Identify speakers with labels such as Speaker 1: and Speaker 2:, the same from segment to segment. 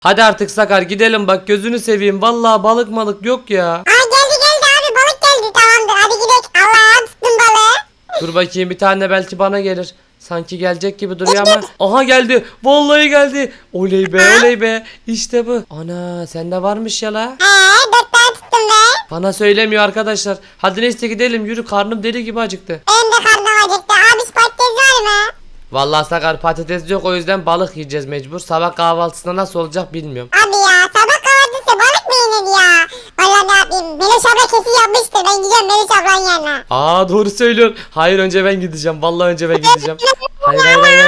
Speaker 1: Hadi artık Sakar gidelim bak gözünü seveyim. Vallahi balık malık yok ya.
Speaker 2: Aa geldi abi balık geldi tamamdır hadi gidelim. Allah'a tuttum balığı.
Speaker 1: Dur bakayım bir tane belki bana gelir. Sanki gelecek gibi duruyor ama. Aha geldi. Vallahi geldi. Oley be oley be. İşte bu. Ana sende varmış ya la.
Speaker 2: 4 tane tuttum be.
Speaker 1: Bana söylemiyor arkadaşlar. Hadi neyse gidelim yürü karnım deli gibi acıktı.
Speaker 2: Benim de karnım acıktı. Abi patates var mı?
Speaker 1: Vallahi Sakar patates yok o yüzden balık yiyeceğiz mecbur. Sabah kahvaltısında nasıl olacak bilmiyorum.
Speaker 2: Abi ya sabah kahvaltısı balık mı yenir ya? Vallahi ne yapayım? Meloş abla kesin yapmıştır. Ben gideceğim Meloş ablanın yanına.
Speaker 1: Aa doğru söylüyorsun. Hayır önce ben gideceğim. Vallahi önce ben gideceğim. Hayır.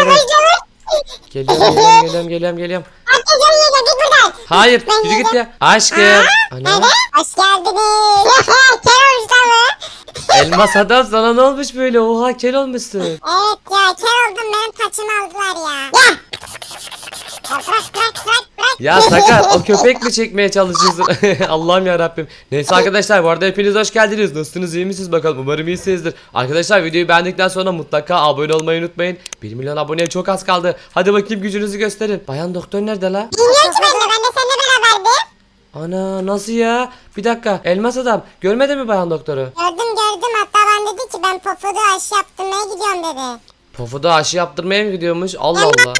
Speaker 1: Geliyorum.
Speaker 2: Herkes oraya gel git buradan.
Speaker 1: Hayır
Speaker 2: Ben
Speaker 1: yürü git
Speaker 2: yedim.
Speaker 1: ya. Aşkım. Ana.
Speaker 2: Nerede? Hoş geldiniz. Kel olmuş mı?
Speaker 1: Elmas adam sana ne olmuş böyle? Oha kel olmuşsun.
Speaker 2: Evet ya kel oldum benim taçımı aldılar ya. Ya. Bırak.
Speaker 1: Ya Sakar o köpek mi çekmeye çalışıyorsun? Allah'ım ya Rabbim. Neyse arkadaşlar bu arada hepiniz hoş geldiniz. Nasılsınız iyi misiniz bakalım umarım iyisinizdir. Arkadaşlar videoyu beğendikten sonra mutlaka abone olmayı unutmayın. 1 milyon aboneye çok az kaldı. Hadi bakayım gücünüzü gösterin. Bayan doktor nerede la?
Speaker 2: Bilmiyorum ki ben de seninle beraberdim.
Speaker 1: Ana nasıl ya? Bir dakika elmas adam görmedi mi bayan doktoru?
Speaker 2: Gördüm hatta ben dedi ki ben popodu aşı yaptırmaya gidiyorum dedi.
Speaker 1: Pofuda aşı yaptırmaya mı gidiyormuş? Allah Allah.
Speaker 2: Yemek.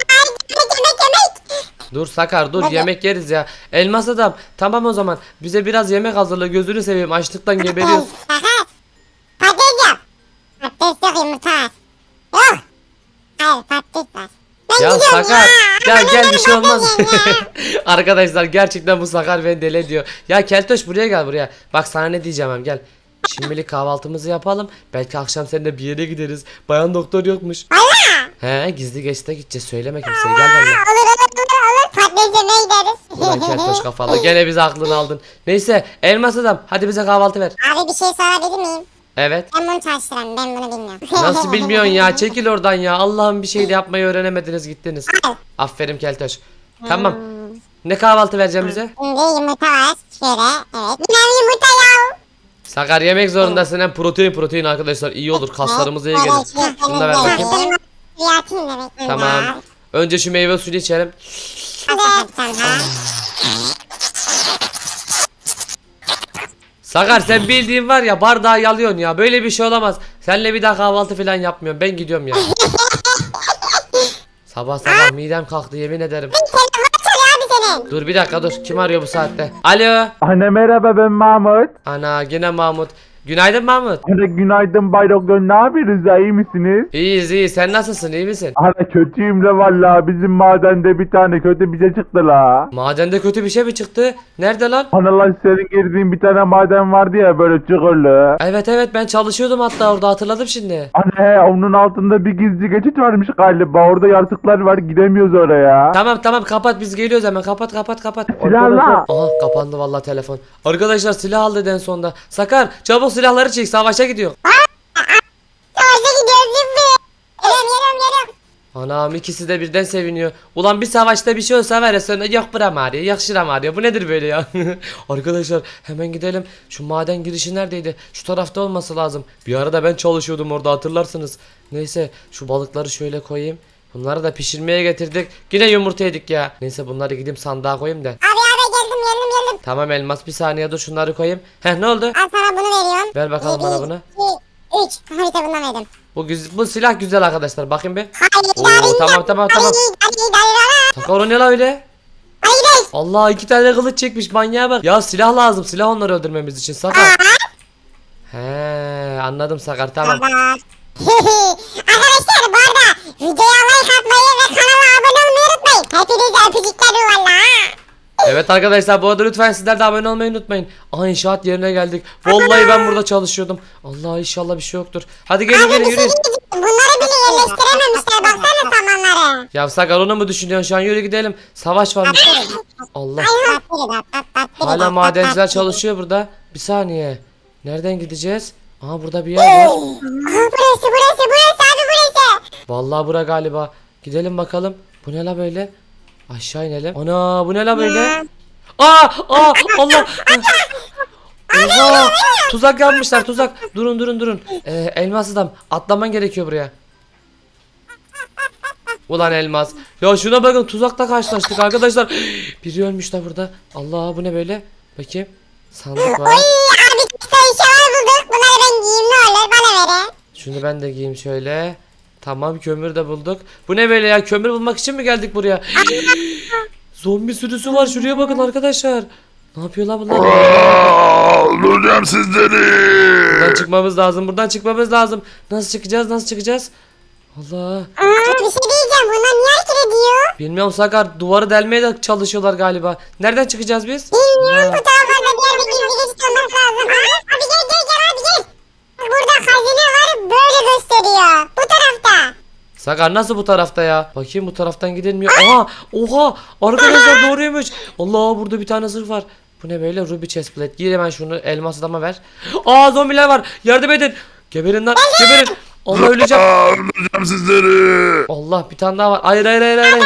Speaker 1: Dur Sakar dur
Speaker 2: Hadi.
Speaker 1: yemek yeriz ya. Elmas adam tamam o zaman bize biraz yemek hazırla gözünü seveyim açlıktan geberiyoruz.
Speaker 2: Aha. Patates yap. Patates yok yumurta var. Yok. Hayır patates var. Ben
Speaker 1: Ya
Speaker 2: gidiyorum
Speaker 1: Sakar
Speaker 2: ya.
Speaker 1: gel bir şey olmaz.
Speaker 2: Ben yiyeyim ya.
Speaker 1: Arkadaşlar gerçekten bu Sakar beni deli ediyor. Ya Keltoş buraya gel buraya. Bak sana ne diyeceğim hem gel. Şimdilik kahvaltımızı yapalım. Belki akşam seninle bir yere gideriz. Bayan doktor yokmuş.
Speaker 2: Valla.
Speaker 1: He gizli geçte gideceğiz söyleme kimseye gel benimle.
Speaker 2: Olur. Patates yemeye gideriz.
Speaker 1: Ulan Keltoş kafalı gene bizi aklını aldın. Neyse elmas adam hadi bize kahvaltı ver.
Speaker 2: Abi bir şey sorabilir miyim?
Speaker 1: Evet.
Speaker 2: Ben bunu çalıştıramam. Ben bunu bilmiyorum.
Speaker 1: Nasıl bilmiyorsun ya çekil oradan ya. Allah'ım bir şey de yapmayı öğrenemediniz gittiniz. Aferin Keltoş. Tamam. Ne kahvaltı vereceğim bize?
Speaker 2: Şimdi yumurta var. Şöyle. Evet. Bir tane yumurta ya.
Speaker 1: Sakar yemek zorundasın hem protein arkadaşlar iyi olur kaslarımıza iyi gelir. Şunu da ver bakayım.
Speaker 2: Kreatin demek.
Speaker 1: Tamam. Önce şu meyve suyu içelim. Sakar sen bildiğin var ya bardağı yalıyorsun ya böyle bir şey olamaz. Seninle bir daha kahvaltı falan yapmıyorum ben gidiyorum ya. Sabah midem kalktı yemin ederim. Dur bir dakika dur kim arıyor bu saatte? Alo.
Speaker 3: Anne merhaba ben Mahmut.
Speaker 1: Ana gene Mahmut. Günaydın Mahmut.
Speaker 3: Anne günaydın Bay Doktor ne yapıyorsunuz ya iyi misiniz?
Speaker 1: İyiyiz sen nasılsın iyi misin?
Speaker 3: Anne kötüyüm de valla bizim madende bir tane kötü bize çıktı la.
Speaker 1: Madende kötü bir şey mi çıktı? Nerede lan?
Speaker 3: Anne lan senin girdiğin bir tane maden vardı ya böyle çukurlu.
Speaker 1: Evet ben çalışıyordum hatta orada hatırladım şimdi.
Speaker 3: Anne onun altında bir gizli geçit varmış galiba orada yaratıklar var gidemiyoruz oraya.
Speaker 1: Tamam kapat biz geliyoruz hemen kapat.
Speaker 3: Silahla.
Speaker 1: Aha kapandı vallahi telefon. Arkadaşlar silah aldı en sonunda. Sakar çabuk silahları çek savaşa gidiyor.
Speaker 2: Savaşa gidiyoruz şimdi. Geliyorum.
Speaker 1: Anam ikisi de birden seviniyor. Ulan bir savaşta bir şey olsa var ya sonra yok buram ağrıyor yok şuram ağrıyor. Bu nedir böyle ya? Arkadaşlar hemen gidelim. Şu maden girişi neredeydi? Şu tarafta olması lazım. Bir arada ben çalışıyordum orada hatırlarsınız. Neyse şu balıkları şöyle koyayım. Bunları da pişirmeye getirdik. Yine yumurta yedik ya. Neyse bunları gidip sandığa koyayım da.
Speaker 2: Abi geldim.
Speaker 1: Tamam elmas bir saniye dur şunları koyayım. Heh ne oldu?
Speaker 2: Al sana bunu veriyorum.
Speaker 1: Ver bakalım bana bunu.
Speaker 2: 2, 3. Harita bundan verdim.
Speaker 1: Bu silah güzel arkadaşlar bakın bir.
Speaker 2: Hayır.
Speaker 1: Oo, tamam. Sakar o ne la öyle? Allah 2 tane kılıç çekmiş manyağa bak. Ya silah lazım silah onları öldürmemiz için Sakar. He anladım Sakar tamam.
Speaker 2: Arkadaşlar bu arada videoya like atmayı ve kanala abone olmayı unutmayın. Hepinize öpücükler valla.
Speaker 1: Evet arkadaşlar bu arada lütfen sizler de abone olmayı unutmayın. Aha inşaat yerine geldik. Vallahi ben burada çalışıyordum. Allah inşallah bir şey yoktur. Hadi gelin yürüyün.
Speaker 2: Bunları bile yerleştirememişler baksana samanları.
Speaker 1: Ya Sakar onu mu düşünüyorsun şu an yürü gidelim. Savaş varmış. Allah. Hala madenciler çalışıyor burada. Bir saniye. Nereden gideceğiz? Aha burada bir yer var.
Speaker 2: Burası abi burası.
Speaker 1: Vallahi bura galiba. Gidelim bakalım. Bu ne la böyle? Aşağı inelim. Ana bu ne la böyle? Allah. Oha! Tuzak yapmışlar. Tuzak. Durun. Elmas adam atlaman gerekiyor buraya. Ulan elmas. Ya şuna bakın, tuzakla karşılaştık arkadaşlar. Biri ölmüş da burada. Allah, bu ne böyle? Bakayım. Sandık var.
Speaker 2: Abi işte eşyalar bulduk. Bunları ben giyeyim ne olur bana verin.
Speaker 1: Şunu ben de giyeyim şöyle. Tamam, kömür de bulduk. Bu ne böyle ya? Kömür bulmak için mi geldik buraya? Zombi sürüsü var. Şuraya bakın arkadaşlar. Ne yapıyorlar bunlar?
Speaker 4: Öldüreceğim sizleri.
Speaker 1: Buradan çıkmamız lazım. Buradan çıkmamız lazım. Nasıl çıkacağız? Nasıl çıkacağız? Allah.
Speaker 2: Bir şey diyeceğim. Bunlar niye hareket ediyor?
Speaker 1: Bilmiyorum Sakar. Duvarı delmeye de çalışıyorlar galiba. Nereden çıkacağız biz?
Speaker 2: Bilmiyorum.
Speaker 1: Allah.
Speaker 2: Bu tarafa bir yerde gizli geçit olması lazım. Abi gel abi gel. Burada hazine var böyle gösteriyor. Bu tarafta.
Speaker 1: Sakar nasıl bu tarafta ya? Bakayım, bu taraftan gidilmiyor. Oha! Oha! Arkadaşlar doğruymuş. Allah, burada bir tane zırh var. Bu ne böyle? Ruby chestplate. Giy hemen şunu. Elmas adama ver. Aa, zombiler var. Yardım edin. Geberin lan. Geberin. Allah, öleceğim.
Speaker 4: Öldüreceğim sizleri.
Speaker 1: Allah, bir tane daha var. Hayır hayır hayır hayır.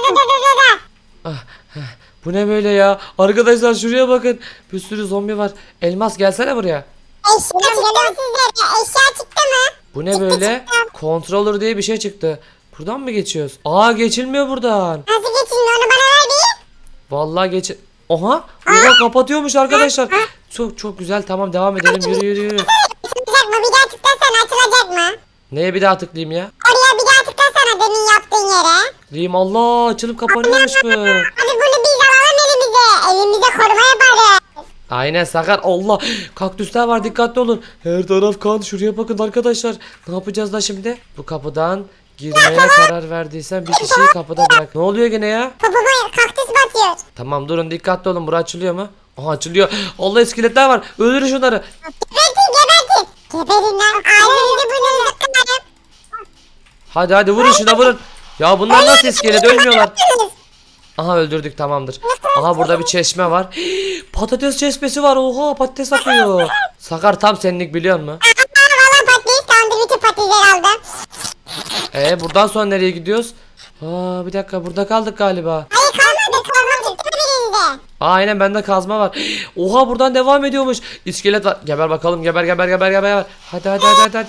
Speaker 1: Bu ne böyle ya? Arkadaşlar şuraya bakın. Bir sürü zombi var. Elmas gelsene buraya.
Speaker 2: Eşya geliyor sizlere. Eşya çıktı mı?
Speaker 1: Bu ne böyle? Controller diye bir şey çıktı. Buradan mı geçiyoruz? Aa, geçilmiyor buradan.
Speaker 2: Nasıl geçin onu bana ver bir.
Speaker 1: Vallahi geç. Oha! Oha, kapatıyormuş arkadaşlar. Çok çok güzel. Tamam, devam edelim. Yürü yürü yürü.
Speaker 2: Açılacak mı? Bir daha tıklasana açılacak mı?
Speaker 1: Neye bir daha tıklayayım ya?
Speaker 2: Oraya bir daha tıklasana demin yaptığın yere.
Speaker 1: Tıklayayım. Allah, açılıp kapanıyormuş bu.
Speaker 2: Abi bunu biz alalım elimize. Elimize koruma yaparız.
Speaker 1: Aynen Sakar. Allah, kaktüsler var, dikkatli olun. Her taraf kan. Şuraya bakın arkadaşlar. Ne yapacağız da şimdi? Bu kapıdan girmeye karar verdiysen bir kişiyi kapıda bırak. Ne oluyor gene ya?
Speaker 2: Popoma kaktüs batıyor.
Speaker 1: Tamam, durun, dikkatli olun. Bura açılıyor mu? Aha, açılıyor. Allah, iskeletler var. Öldürün şunları.
Speaker 2: Gebertin. Geberin lan. Ailenizi burnunuzu kırarım.
Speaker 1: Hadi hadi, vurun şuna, vurun. Ya bunlar nasıl iskelet, ölmüyorlar. Aha, öldürdük, tamamdır. Aha, burada bir çeşme var. Patates çeşmesi var. Oha, patates akıyor. Sakar tam senlik, biliyor musun?
Speaker 2: Valla patates tamamdır. Bütün patatesleri aldım.
Speaker 1: Buradan sonra nereye gidiyoruz? Aa, bir dakika, burada kaldık galiba.
Speaker 2: Hayır kalmadı. Kalmadı. Çıktı birinde.
Speaker 1: Aynen, bende kazma var. Oha, buradan devam ediyormuş. İskelet var. Geber bakalım, geber geber geber geber. Hadi hadi hadi hadi.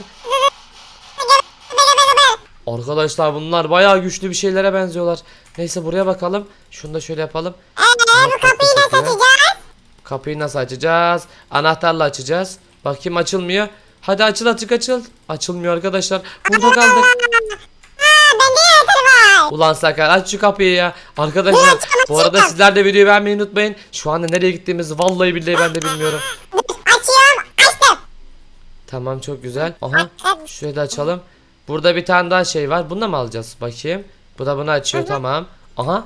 Speaker 1: Arkadaşlar bunlar bayağı güçlü bir şeylere benziyorlar. Neyse, buraya bakalım. Şunu da şöyle yapalım.
Speaker 2: Bu kapıyı nasıl açacağız?
Speaker 1: Kapıyı nasıl açacağız? Anahtarla açacağız. Bakayım, açılmıyor. Hadi açıl, açıl. Açılmıyor arkadaşlar. Burada kaldık.
Speaker 2: Bende anahtarı var.
Speaker 1: Ulan Sakar, aç şu kapıyı ya. Arkadaşlar bu arada sizler de videoyu beğenmeyi unutmayın. Şu anda nereye gittiğimizi vallahi billahi ben de bilmiyorum.
Speaker 2: Açıyorum. Açtım.
Speaker 1: Tamam, çok güzel. Aha, şurayı da açalım. Burada bir tane daha şey var. Bunu da mı alacağız? Bakayım. Bu da bunu açıyor, tamam. Aha.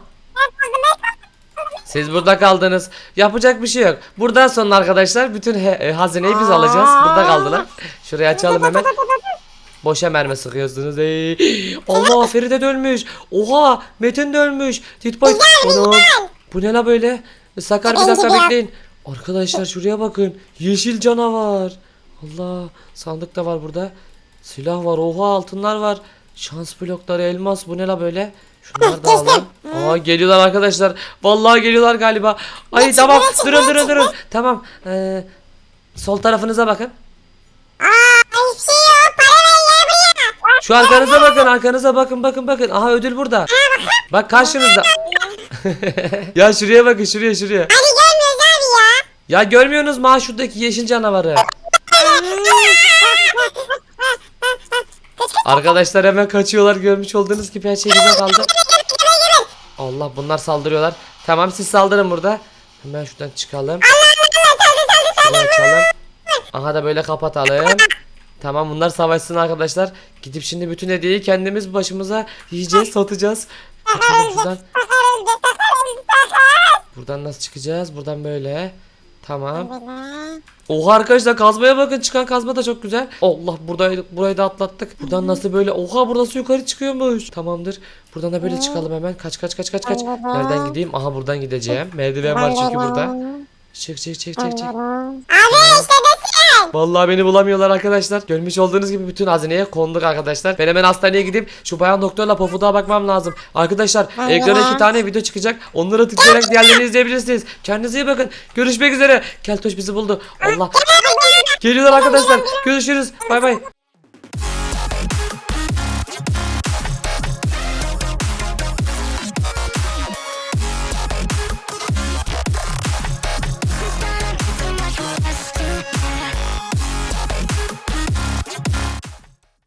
Speaker 1: Siz burada kaldınız. Yapacak bir şey yok. Buradan sonra arkadaşlar bütün hazineyi biz alacağız. Burada kaldılar. Şurayı açalım hemen. Boşa mermi sıkıyorsunuz. Allah, Feride de ölmüş. Oha, Metin de ölmüş. Titboy. Anam. Bu ne la böyle? Sakar, bir dakika bekleyin. Arkadaşlar şuraya bakın. Yeşil canavar. Allah, sandık da var burada. Silah var. Oha, altınlar var. Şans blokları, elmas. Bu ne la böyle? Şunları da alalım. Aa, geliyorlar arkadaşlar. Vallahi geliyorlar galiba. Ay tamam. Durun. Tamam. Sol tarafınıza bakın.
Speaker 2: Hiçbir şey yok. Para ver ya buraya.
Speaker 1: Şu arkanıza bakın. Arkanıza bakın. Bakın. Aha, ödül burada. Bak karşınızda. Ya şuraya bakın. Şuraya.
Speaker 2: Hadi görmüyoruz abi ya.
Speaker 1: Ya görmüyorsunuz mu ha, şuradaki yeşil canavarı? Arkadaşlar hemen kaçıyorlar, görmüş olduğunuz gibi her şey bize kaldı. Allah, bunlar saldırıyorlar. Tamam, siz saldırın burada. Hemen şuradan çıkalım. Şurayı açalım. Aha da böyle kapatalım. Tamam, bunlar savaşsın arkadaşlar. Gidip şimdi bütün hediyeyi kendimiz başımıza yiyeceğiz, satacağız. Kaçalım şuradan. Buradan nasıl çıkacağız? Buradan böyle. Tamam. Oha arkadaşlar, kazmaya bakın, çıkan kazma da çok güzel. Allah, burayı da atlattık. Buradan nasıl böyle? Oha, burası yukarı çıkıyormuş. Tamamdır. Buradan da böyle çıkalım hemen. Kaç. Nereden gideyim? Aha, buradan gideceğim. Merdiven var çünkü burada. Çık.
Speaker 2: Abi işte desin.
Speaker 1: Vallahi beni bulamıyorlar arkadaşlar. Görmüş olduğunuz gibi bütün hazineye konduk arkadaşlar. Ben hemen hastaneye gidip şu bayan doktorla Pofuduk'a bakmam lazım. Arkadaşlar ekrana 2 tane video çıkacak. Onlara tıklayarak diğerlerini izleyebilirsiniz. Kendinize iyi bakın. Görüşmek üzere. Keltoş bizi buldu. Allah. Geliyorlar arkadaşlar. Görüşürüz. Bay bay.